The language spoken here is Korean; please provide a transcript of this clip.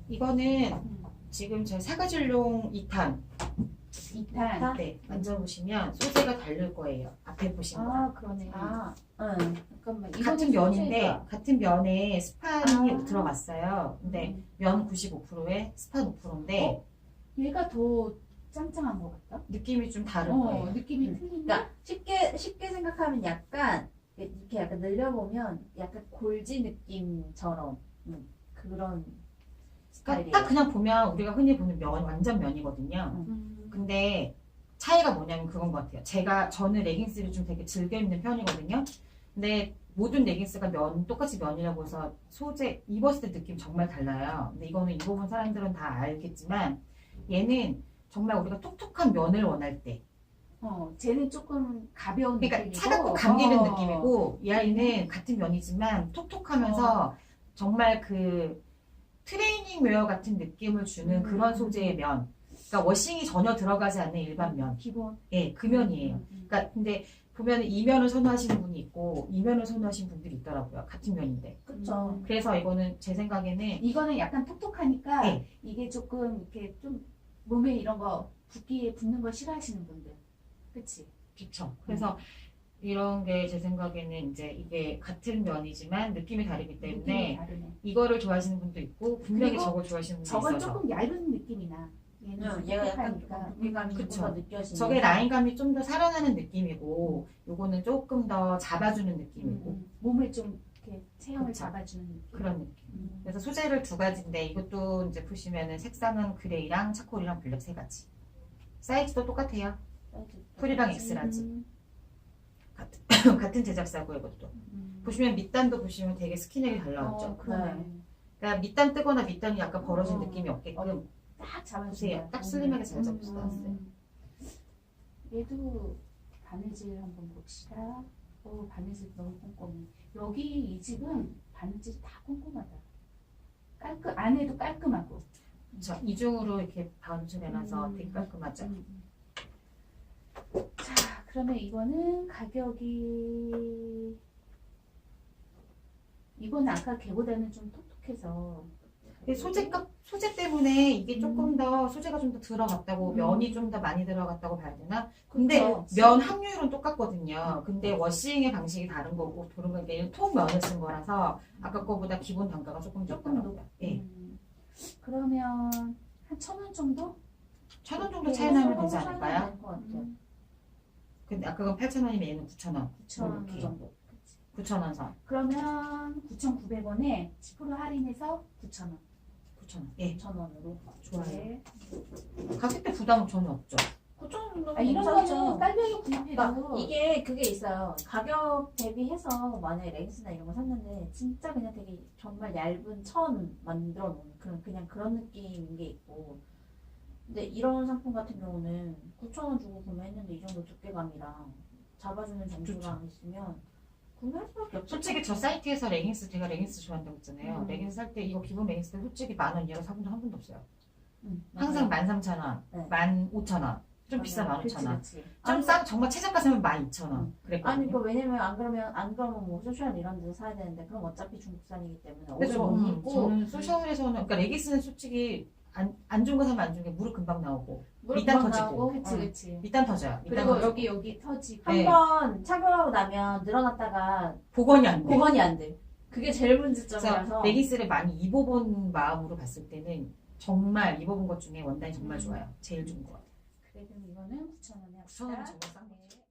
이거는 지금 저 사과질롱 2탄. 2탄? 네, 만져보시면 소재가 다를 거예요. 앞에 보신 거. 그러네. 잠깐만. 같은 면인데 같은 면에 스판이 들어갔어요. 근데 음. 면 95%에 스판 5%인데 얘가 더 짱짱한 것 같다? 느낌이 좀 다를 거예요. 느낌이 틀린데? 그러니까 쉽게 생각하면 약간 이렇게 약간 늘려보면 약간 골지 느낌처럼 그런 스타일이에요. 딱 그냥 보면 우리가 흔히 보는 면 완전 면이거든요. 근데 차이가 뭐냐면 그건 것 같아요. 저는 레깅스를 좀 되게 즐겨 입는 편이거든요. 근데 모든 레깅스가 똑같이 면이라고 해서 소재 입었을 때 느낌 정말 달라요. 근데 이거는 입어본 사람들은 다 알겠지만 얘는 정말 우리가 톡톡한 면을 원할 때, 쟤는 조금 가벼운 그러니까 느낌이고 차갑고 감기는 느낌이고 이 아이는 같은 면이지만 톡톡하면서 정말 그 트레이닝 웨어 같은 느낌을 주는 그런 소재의 면. 그러니까 워싱이 전혀 들어가지 않는 일반 면. 기본. 예, 그 면이에요. 그러니까 근데 보면 이 면을 선호하시는 분이 있고 이 면을 선호하시는 분들이 있더라고요. 같은 면인데. 그쵸. 그래서 이거는 제 생각에는 이거는 약간 톡톡하니까 네. 이게 조금 이렇게 좀 몸에 이런 거 붓기에 붙는 걸 싫어하시는 분들. 그치? 그쵸. 그래서 이런 게 제 생각에는 이제 이게 같은 면이지만 느낌이 다르기 느낌이 때문에 다르네. 이거를 좋아하시는 분도 있고 분명히 그리고 저걸 좋아하시는 분도 저건 있어서 조금 얇은 느낌이 나. 얘는 얘가 약간 톡톡하니까. 무게감이 그쵸. 조금 더 느껴지는. 저게 라인감이 좀 더 살아나는 느낌이고 요거는 조금 더 잡아주는 느낌이고 몸을 좀 이렇게 체형을 그쵸. 잡아주는 느낌. 그런 느낌. 그래서 소재를 두 가지인데 이것도 이제 보시면은 색상은 그레이랑 차콜이랑 블랙 세 가지. 사이즈도 똑같아요. 풀이랑 엑스라지. 같은 제작사고 이것도. 보시면 밑단도 보시면 되게 스키넥이 잘 나왔죠. 그러네. 그러니까 밑단 뜨거나 밑단이 약간 벌어진 느낌이 없게끔 딱 잡아주세요. 보세요. 딱 슬림하게 잘 잡혀서 나왔어요. 얘도 바느질 한번 봅시다. 바느질 너무 꼼꼼해. 여기 이 집은 바느질이 다 꼼꼼하다. 안에도 깔끔하고. 자, 이중으로 이렇게 반출해놔서 되게 깔끔하죠. 자, 그러면 이거는 가격이 이거는 아까 걔보다는 좀 톡톡해서 소재 때문에 이게 조금 더 소재가 좀 더 들어갔다고 면이 좀 더 많이 들어갔다고 봐야 되나? 근데 그쵸. 면 함유율은 똑같거든요. 근데 워싱의 방식이 다른 거고 그런 건 이게 통면을 쓴 거라서 아까 거보다 기본 단가가 조금 높더라고요. 예. 그러면 한 1,000원 정도? 1,000원 정도 차이 나면 되지 차이가 않을까요? 날것 같아요. 근데 아까 건 8,000원이면 얘는 9,000원. 9,000원 이렇게. 정도. 9,000원 선. 그러면 9,900원에 10% 할인해서 9,000원. 9,000원. 예. 9,000원으로. 좋아요. 가격대 부담은 전혀 없죠. 9,000원 정도면 이런 괜찮죠. 거는 딸려서 그러니까 구입해도 이게 그게 있어요. 가격 대비해서 만약에 레깅스나 이런 거 샀는데 진짜 그냥 되게 정말 얇은 천 만들어 놓은 그냥 그런 느낌인 게 있고, 근데 이런 상품 같은 경우는 9,000원 주고 구매했는데 이 정도 두께감이랑 잡아주는 정도랑 있으면 구매할 수밖에 없죠. 솔직히 저 사이트에서 제가 레깅스 좋아한다고 했잖아요. 레깅스 살 때 이거 기본 레깅스 때 솔직히 10,000원 이하로 사본 적 한 번도 없어요. 항상 13,000원, 네. 15,000원, 좀 비싸 그치, 15,000원. 그치. 좀 싸, 정말 최저가 사면 12,000원. 그랬거든요. 아니 그 왜냐면 안 그러면 뭐 소셜 이런 데서 사야 되는데 그럼 어차피 중국산이기 때문에 오래 그래서 못 입고 저는 소셜에서는 그러니까 레깅스는 솔직히 안 좋은 거 사면 안 좋은 게 무릎 금방 나오고 무릎 밑단 금방 터지고. 나오고, 그치. 밑단 터져요. 밑단 그리고 터지고. 여기 터지고. 네. 한번 착용하고 나면 늘어났다가 복원이 안 돼. 복원이 안 돼. 그게 제일 그래서 문제점이라서. 레깅스를 많이 입어본 마음으로 봤을 때는 정말 입어본 것 중에 원단이 정말 좋아요. 제일 좋은 것 같아요. 그래, 그럼 이거는 9,000원에 9,000원은 정말 싼 거죠.